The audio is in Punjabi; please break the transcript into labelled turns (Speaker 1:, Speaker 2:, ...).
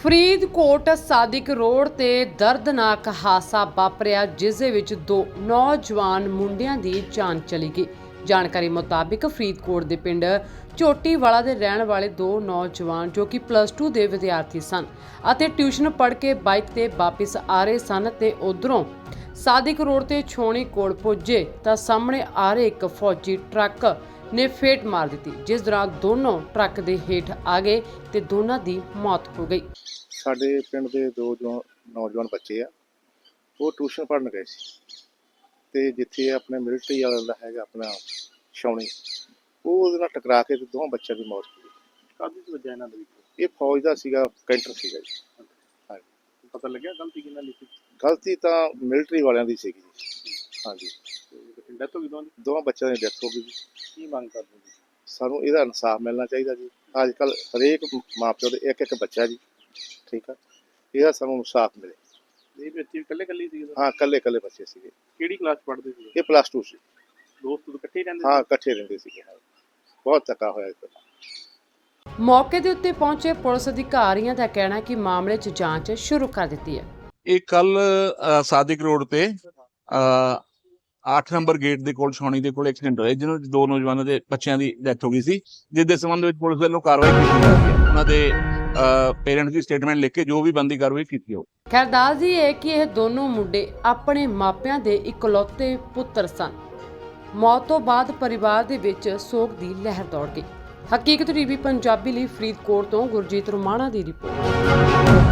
Speaker 1: ਫਰੀਦਕੋਟ ਸਾਦਿਕ ਰੋਡ ਤੇ ਦਰਦਨਾਕ ਹਾਦਸਾ ਵਾਪਰਿਆ, ਜਿਸ ਦੇ ਵਿੱਚ ਦੋ ਨੌਜਵਾਨ ਮੁੰਡਿਆਂ ਦੀ ਜਾਨ ਚਲੀ ਗਈ। ਜਾਣਕਾਰੀ ਮੁਤਾਬਿਕ ਫਰੀਦਕੋਟ ਦੇ ਪਿੰਡ ਝੋਟੀਵਾਲਾ ਦੇ ਰਹਿਣ ਵਾਲੇ ਦੋ ਨੌਜਵਾਨ ਜੋ ਕਿ +2 ਦੇ ਵਿਦਿਆਰਥੀ ਸਨ ਅਤੇ ਟਿਊਸ਼ਨ ਪੜ੍ਹ ਕੇ ਬਾਈਕ ਤੇ ਵਾਪਸ ਆ ਰਹੇ ਸਨ ਤੇ ਉਧਰੋਂ ਸਾਦਿਕ ਰੋਡ ਤੇ ਛੋਣੀ ਕੋਲ ਪੁੱਜੇ ਤਾਂ ਸਾਹਮਣੇ ਆ ਰਹੇ ਇੱਕ ਫੌਜੀ ਟਰੱਕ ਨੇ ਫੇਟ ਮਾਰ ਦਿੱਤੀ, ਜਿਸ ਦੌਰਾਨ ਦੋਨੋਂ ਟਰੱਕ ਦੇ ਹੇਠ ਆ ਗਏ ਤੇ ਦੋਨਾਂ ਦੀ ਮੌਤ ਹੋ ਗਈ।
Speaker 2: ਸਾਡੇ ਪਿੰਡ ਦੇ ਦੋ ਨੌਜਵਾਨ ਬੱਚੇ ਆ, ਉਹ ਟਿਊਸ਼ਨ ਪੜ੍ਹਨ ਗਏ ਸੀ ਤੇ ਜਿੱਥੇ ਆਪਣੇ ਮਿਲਟਰੀ ਵਾਲਾ ਦਾ ਹੈਗਾ ਆਪਣਾ ਛਾਉਣੀ, ਉਹ ਉਹਦੇ ਨਾਲ ਟਕਰਾ ਕੇ ਤੇ ਦੋਹਾਂ ਬੱਚਿਆਂ ਦੀ ਮੌਤ ਹੋ ਗਈ।
Speaker 3: ਕਾਹਦੀ ਵਜ੍ਹਾ ਇਹਨਾਂ ਦੇ ਵਿੱਚ?
Speaker 2: ਇਹ ਫੌਜ ਦਾ ਸੀਗਾ, ਕੈਂਟਰ ਸੀਗਾ ਜੀ। ਹਾਂਜੀ,
Speaker 3: ਪਤਾ ਲੱਗਿਆ ਗਲਤੀ ਕਿਹਨਾਂ ਦੀ ਸੀ?
Speaker 2: ਗਲਤੀ ਤਾਂ ਮਿਲਟਰੀ ਵਾਲਿਆਂ ਦੀ ਸੀਗੀ ਜੀ। ਹਾਂਜੀ,
Speaker 3: ਡੈਥ ਹੋ ਗਈ
Speaker 2: ਦੋਵਾਂ ਬੱਚਿਆਂ ਦੀ ਡੈਥ ਹੋ ਗਈ ਜੀ।
Speaker 3: ਕੀ ਮੰਗ ਕਰਦੇ ਜੀ?
Speaker 2: ਸਾਨੂੰ ਇਹਦਾ ਇਨਸਾਫ ਮਿਲਣਾ ਚਾਹੀਦਾ ਜੀ। ਅੱਜ ਕੱਲ੍ਹ ਹਰੇਕ ਮਾਂ ਪਿਓ ਦੇ ਇੱਕ ਬੱਚਾ ਜੀ, ਠੀਕ ਆ, ਇਹਦਾ ਸਾਨੂੰ ਇਨਸਾਫ ਮਿਲੇ।
Speaker 3: ਇਹ ਬੱਚੇ ਇਕੱਲੇ ਸੀ?
Speaker 2: ਹਾਂ, ਇਕੱਲੇ ਬੱਚੇ ਸੀਗੇ।
Speaker 3: ਕਿਹੜੀ ਕਲਾਸ ਪੜ੍ਹਦੇ ਸੀ?
Speaker 2: ਇਹ +2 ਸੀ।
Speaker 3: ਦੋਸਤ ਇਕੱਠੇ ਹੀ ਰਹਿੰਦੇ?
Speaker 2: ਹਾਂ, ਇਕੱਠੇ ਰਹਿੰਦੇ ਸੀਗੇ। ਬਹੁਤ ਧੱਕਾ ਹੋਇਆ ਇਸ ਤਰ੍ਹਾਂ।
Speaker 1: ਮੌਕੇ ਦੇ ਉੱਤੇ ਪਹੁੰਚੇ ਪੁਲਿਸ ਅਧਿਕਾਰੀਆਂ ਦਾ ਕਹਿਣਾ ਹੈ ਕਿ ਮਾਮਲੇ 'ਚ ਜਾਂਚ ਸ਼ੁਰੂ ਕਰ ਦਿੱਤੀ ਹੈ।
Speaker 4: ਇਹ ਕੱਲ ਸਾਦਿਕ ਰੋਡ ਤੇ 8 ਨੰਬਰ ਗੇਟ ਦੇ ਕੋਲ ਛਾਉਣੀ ਦੇ ਕੋਲ ਐਕਸੀਡੈਂਟ ਹੋਇਆ, ਜਿਹਨਾਂ ਵਿੱਚ ਦੋ ਨੌਜਵਾਨਾਂ ਦੇ ਬੱਚਿਆਂ ਦੀ ਡੈਥ ਹੋ ਗਈ ਸੀ, ਜਿਸ ਦੇ ਸੰਬੰਧ ਵਿੱਚ ਪੁਲਿਸ ਵੱਲੋਂ ਕਾਰਵਾਈ ਕੀਤੀ ਜਾ ਰਹੀ ਹੈ। ਉਹਨਾਂ ਦੇ ਪੇਰੈਂਟਸ ਦੀ ਸਟੇਟਮੈਂਟ ਲਿਖ ਕੇ ਜੋ ਵੀ ਬਣਦੀ ਕਾਰਵਾਈ ਕੀਤੀ ਹੋ।
Speaker 1: ਖੈਰ ਦੱਸਦੀ ਹੈ ਕਿ ਇਹ ਦੋਨੋਂ ਮੁੰਡੇ ਆਪਣੇ ਮਾਪਿਆਂ ਦੇ ਇਕਲੌਤੇ ਪੁੱਤਰ ਸਨ। ਮੌਤ ਤੋਂ ਬਾਅਦ ਪਰਿਵਾਰ ਦੇ ਵਿੱਚ ਸੋਗ ਦੀ ਲਹਿਰ ਦੌੜ ਗਈ। ਹਕੀਕਤ ਟੀਵੀ ਪੰਜਾਬੀ ਲਈ ਫਰੀਦਕੋਟ ਤੋਂ ਗੁਰਜੀਤ ਰੋਮਾਣਾ ਦੀ ਰਿਪੋਰਟ।